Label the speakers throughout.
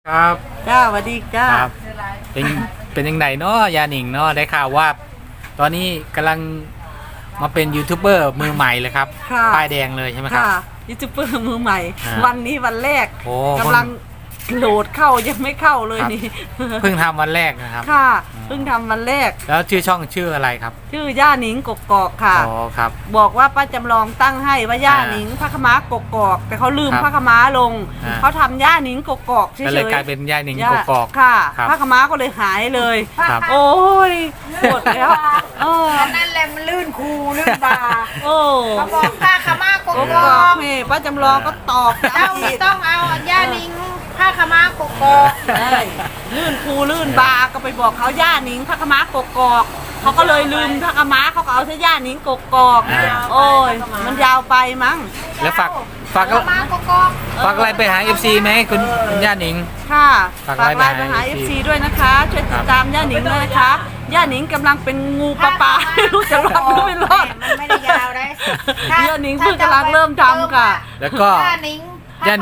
Speaker 1: ครับ
Speaker 2: จ้าสวัสดีจ้า
Speaker 1: ครับเป็นเป็นยังไงเนาะยาหนิงเนาะได้ข่าวว่า ตอนนี้กำลังมาเป็นยูทูบเบอร์มือใหม่เลยครับป้ายแดงเลยใช่ไหมครับ
Speaker 2: ค่ะยูทูบเบอร์มือใหม่ วันนี้วันแรก
Speaker 1: โอ้
Speaker 2: กำลังโหลดเข้ายังไม่เข้าเลยนี่
Speaker 1: เพิ่งทำวันแรกนะครับ
Speaker 2: ค่ะเพิ่งทำวันแรก
Speaker 1: แล้วชื่อช่องชื่ออะไรครับ
Speaker 2: ชื่อย่าหนิงกกอกค่ะ
Speaker 1: อ๋อครับ
Speaker 2: บอกว่าป้าจำลองตั้งให้ว่าย่าหนิงพระขม้ากกอกแต่เขาลืมพระขม้าลงเขาทำย่าหนิงกกอกเฉยๆ
Speaker 1: ก็เลยกลายเป็นย่าหนิงกกอก
Speaker 2: ค่ะพระขม้าก็เลยหายเลยโอ้ยหมดแล้ว
Speaker 3: นั่นแหละมันลื่นคูลื่นบา
Speaker 2: โอ้
Speaker 3: เขาบอกผ้าขม้ากกอก
Speaker 2: นี่ป้าจำลองก็ตอบ
Speaker 3: ต้องเอาย่านิงผ้าขม้ากกอก
Speaker 2: ลื่นคูลื่นบาก็ไปบอกเขาย่าหนิงพระขม้ากกอกเขาก็เลยลืมพระขม้าเขาก็เอาเส้ย่าหนิงกกอกโอ้ยมันยาวไปมั้ง
Speaker 1: แล้วฝากอะไรไปหา FC ไหมคุณย่าหนิง
Speaker 2: ค่ะฝากอะไรไปหา FC ด้วยนะคะช่วยติดตามย่าหนิงด้วยนะคะย่าหนิงกำลังเป็นงูปลาไม่รู้จะรอดหรือไม่รอด
Speaker 3: มันไม่ได้ยาวเลย
Speaker 2: ย่าหนิงเพิ่งกำลังเริ่มทำค่ะ
Speaker 1: แล้วก็ย่าหนิง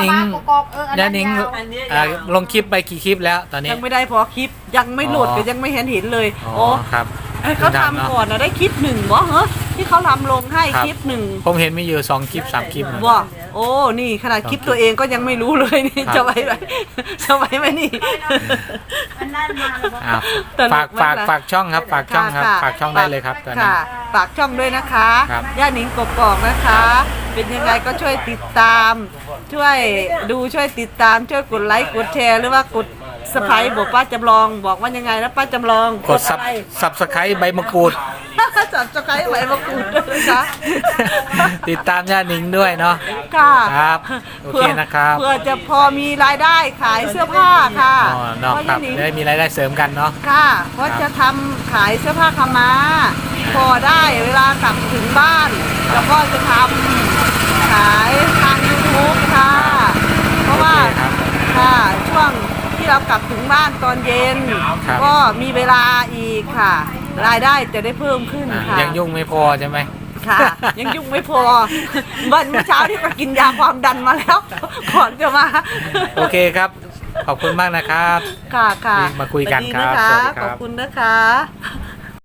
Speaker 1: ลงคลิปไปกี่คลิปแล้วตอนนี้
Speaker 2: ยังไม่ได้พอคลิปยังไม่โหลดก็ยังไม่เห็นเลย
Speaker 1: โอ้ครับ
Speaker 2: เขาทำก่อนนะได้คลิปหนึ่งวะเหรอที่เขาทำลงให้คลิปหนึ่ง
Speaker 1: ผมเห็นมีอยู่2 คลิป 3 คลิป
Speaker 2: ว้าโอ้นี่ขนาดคลิปตัวเองก็ยังไม่รู้เลยนี่จะไว้ไหมนี่
Speaker 1: ฝากช่องครับฝากช่องครับฝากช่องได้เลยครับตอนนี้
Speaker 2: ฝากช่องด้วยนะคะย่าหนิงกกอกนะคะ เป็นยังไงก็ช่วยติดตามช่วยดูช่วยติดตามช่วยกดไลค์กดแชร์หรือว่ากดสไครต์บอกป้าจำลองบอกว่ายังไงนะป้าจำลอง
Speaker 1: กดซับสไครต์ใบมะกรูด
Speaker 2: ซับสไครต์ใบมะกรูดด้วยนะคะ
Speaker 1: ติดตามย่าหนิงด้วยเนาะ
Speaker 2: ค่ะ
Speaker 1: ครับโอเคนะครับ
Speaker 2: เพื่อจะพอมีรายได้ขายเสื้อผ้าค่ะ
Speaker 1: เพราะย่าหนิงได้มีรายได้เสริมกันเนาะ
Speaker 2: ค่ะเพราะจะทำขายเสื้อผ้าขม้าพอได้เวลากลับถึงบ้านแล้วก็จะทำขายทาง YouTube ค่ะเพราะว่าค่ะช่วงที่เรากลับถึงบ้านตอนเย็นก็มีเวลาอีกค่ะรายได้จะได้เพิ่มขึ้นค่ะ
Speaker 1: ยังยุ่งไม่พอใช่ไหม
Speaker 2: ค่ะยังยุ่งไม่พอวันเช้าที่ไปกินยาความดันมาแล้วก่อนจะมา
Speaker 1: โอเคครับขอบคุณมากนะครับ
Speaker 2: ค่ะ
Speaker 1: มาคุยกันครับ
Speaker 2: ขอบคุณนะคะ